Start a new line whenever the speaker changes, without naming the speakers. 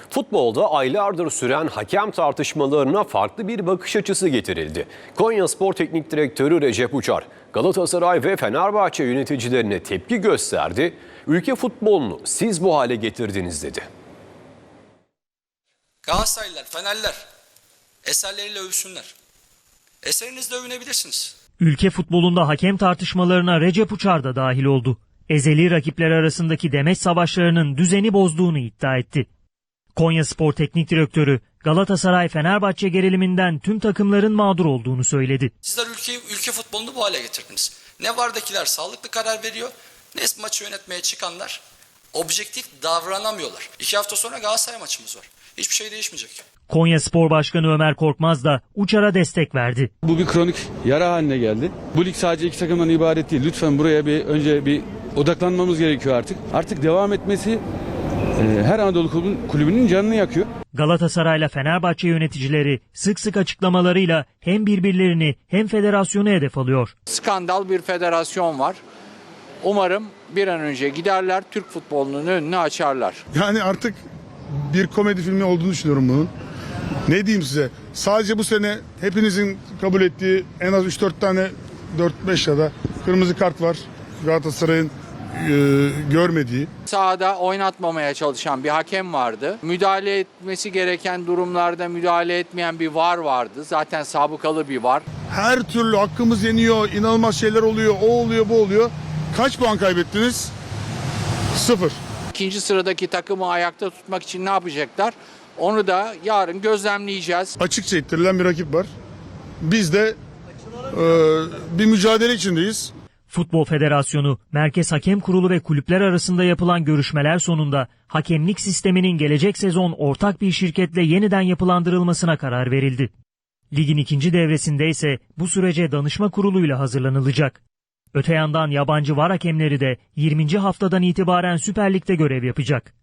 Futbolda aylardır süren hakem tartışmalarına farklı bir bakış açısı getirildi. Konyaspor Teknik Direktörü Recep Uçar, Galatasaray ve Fenerbahçe yöneticilerine tepki gösterdi. Ülke futbolunu siz bu hale getirdiniz dedi.
Galatasaraylılar, Fenerliler eserleriyle övsünler. Eserinizle övünebilirsiniz.
Ülke futbolunda hakem tartışmalarına Recep Uçar da dahil oldu. Ezeli rakipler arasındaki demeç savaşlarının düzeni bozduğunu iddia etti. Konyaspor Teknik Direktörü Galatasaray-Fenerbahçe geriliminden tüm takımların mağdur olduğunu söyledi.
Sizler ülke futbolunu bu hale getirdiniz. Ne vardakiler sağlıklı karar veriyor, ne maçı yönetmeye çıkanlar objektif davranamıyorlar. 2 hafta sonra Galatasaray maçımız var. Hiçbir şey değişmeyecek.
Konyaspor Başkanı Ömer Korkmaz da Uçar'a destek verdi.
Bu bir kronik yara haline geldi. Bu lig sadece 2 takımdan ibaret değil. Lütfen buraya önce bir odaklanmamız gerekiyor artık. Artık devam etmesi her Anadolu kulübünün canını yakıyor.
Galatasaray'la Fenerbahçe yöneticileri sık sık açıklamalarıyla hem birbirlerini hem federasyonu hedef alıyor.
Skandal bir federasyon var. Umarım bir an önce giderler, Türk futbolunun önünü açarlar.
Yani artık bir komedi filmi olduğunu düşünüyorum bunun. Ne diyeyim size? Sadece bu sene hepinizin kabul ettiği en az 3-4 tane 4-5 ya da kırmızı kart var. Galatasaray'ın görmediği.
Sahada oynatmamaya çalışan bir hakem vardı. Müdahale etmesi gereken durumlarda müdahale etmeyen bir VAR vardı. Zaten sabıkalı bir VAR.
Her türlü hakkımız yeniyor, inanılmaz şeyler oluyor, o oluyor, bu oluyor. Kaç puan kaybettiniz? 0.
İkinci sıradaki takımı ayakta tutmak için ne yapacaklar? Onu da yarın gözlemleyeceğiz.
Açıkça ittirilen bir rakip var. Biz de bir mücadele içindeyiz.
Futbol Federasyonu, Merkez Hakem Kurulu ve kulüpler arasında yapılan görüşmeler sonunda hakemlik sisteminin gelecek sezon ortak bir şirketle yeniden yapılandırılmasına karar verildi. Ligin ikinci devresinde ise bu sürece danışma kuruluyla hazırlanılacak. Öte yandan yabancı VAR hakemleri de 20. haftadan itibaren Süper Lig'de görev yapacak.